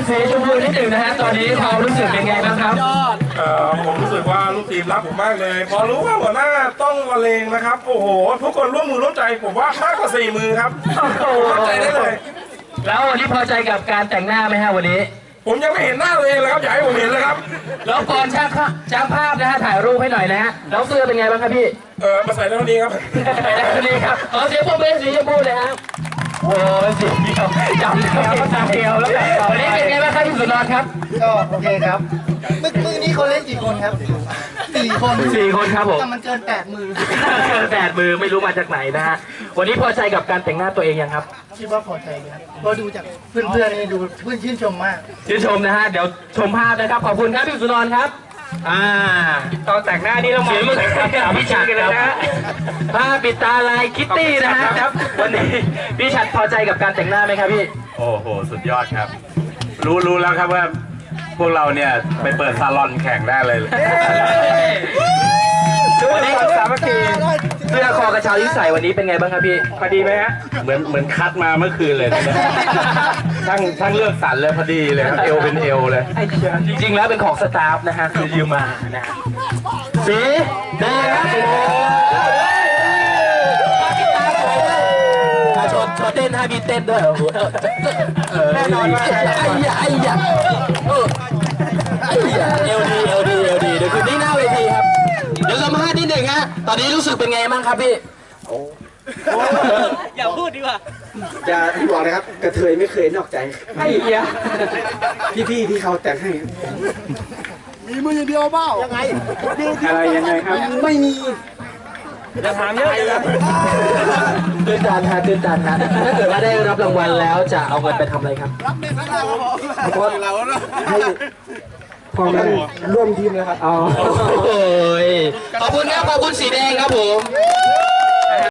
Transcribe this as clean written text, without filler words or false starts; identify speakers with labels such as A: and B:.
A: สีชมพูนิดหนึ่งนะฮะตอนนี้ความรู้สึกเป็นไงบ้างครับ
B: ผมรู้สึกว่าลูกทีมรักผมมากเลยพอรู้ว่าหัวหน้าต้องละเลงนะครับโอ้โหทุกคนร่วมมือร่วมใจผมว่ามากกว่า4 มือครับเข้าใจได้เลย
A: แล้ววันนี้พอใจกับการแต่งหน้าไหมฮะวันนี้
B: ผมยังไม่เห็นหน้าตัวเองเลยครับอยากให้ผมเห็นเลยครับ
A: แล้วก่อนช่างภาพนะฮะถ่ายรูปให้หน่อยนะฮะแล้วเสื้อเป็นไงบ้างครับพี่
B: มาใส่เท่านี้ครับ
A: ใส่เท่านี้ครับเสียงปรบมือสีชมพูเลยครับโอ้สีเดียวจำเดียวแล้ววันนี้เป็นไงบ้างครับพี่สุนทรครับ
C: ก็โอเคครับมือนี้เขาเล่นกี่คนครับ4 คน
A: ครับผม
C: แต่มันเกิน8 มือ
A: เกิน8 มือไม่รู้มาจากไหนนะฮะวันนี้พอใจกับการแต่งหน้าตัวเองยังครับ
C: คิดว่าพอใจครับพอดูจากเพื่อนๆนี่ดูเพื่อนชื่นชมมาก
A: ชื่นชมนะฮะเดี๋ยวชมภาพนะครับขอบคุณครับพี่สุนทรครับตอนแต่งหน้านี่ต้องมองมือพี่ฉัดกันเลยนะผ้าปิดตาลายคิตตี้นะฮะวันนี้พี่ฉัดพอใจกับการแต่งหน้าไหมครับพี่
D: โอ้โหสุดยอดครับรู้แล้วครับว่าพวกเราเนี่ยไปเปิดซาลอนแข่งได้เลย
A: วันนี้สามัคคีเสื้อคอกระเช้าที่ใส่วันนี้เป็นไงบ้างครับพี่พอดีไหมฮะ
D: เหมือนคัดมาเมื่อคืนเลยช่างเลือกสรรเลยพอดีเลยครับเอวเป็นเอวเลย
A: จริงๆแล้วเป็นของสตาฟนะฮะคือยืมมานะสีแดงครับโชว์เต้นให้มีเต้นด้วยแน่นอนว่าไอ้ยาเอลดีเดี๋ยวคืนนี้หน้าเวทีครับเดี๋ยวสัมภาษณ์นิดหนึ่งฮะตอนนี้รู้สึกเป็นไงบ้างครับพี่
E: อย่าพูดดีกว่า
F: อย่าที่บอกนะครับกระเทยไม่เคยนอกใจ
A: ไอ้ยา
F: พี่ที่เขาแต่งให้
C: มีมืออย่างเดียวเปล่ายังไง
F: อะไรยังไงครับไม่มี
A: จะถามเยอะเลยตื่นตันฮะถ้าเกิดว่าได้รับรางวัลแล้วจะเอาเงินไปทำอะไรครับ
C: รับเด็กทั้งเรา
F: ให้พ่อแม่ร่วมทีมเลยครับ
A: ขอบคุณครับขอบคุณสีแดงครับผม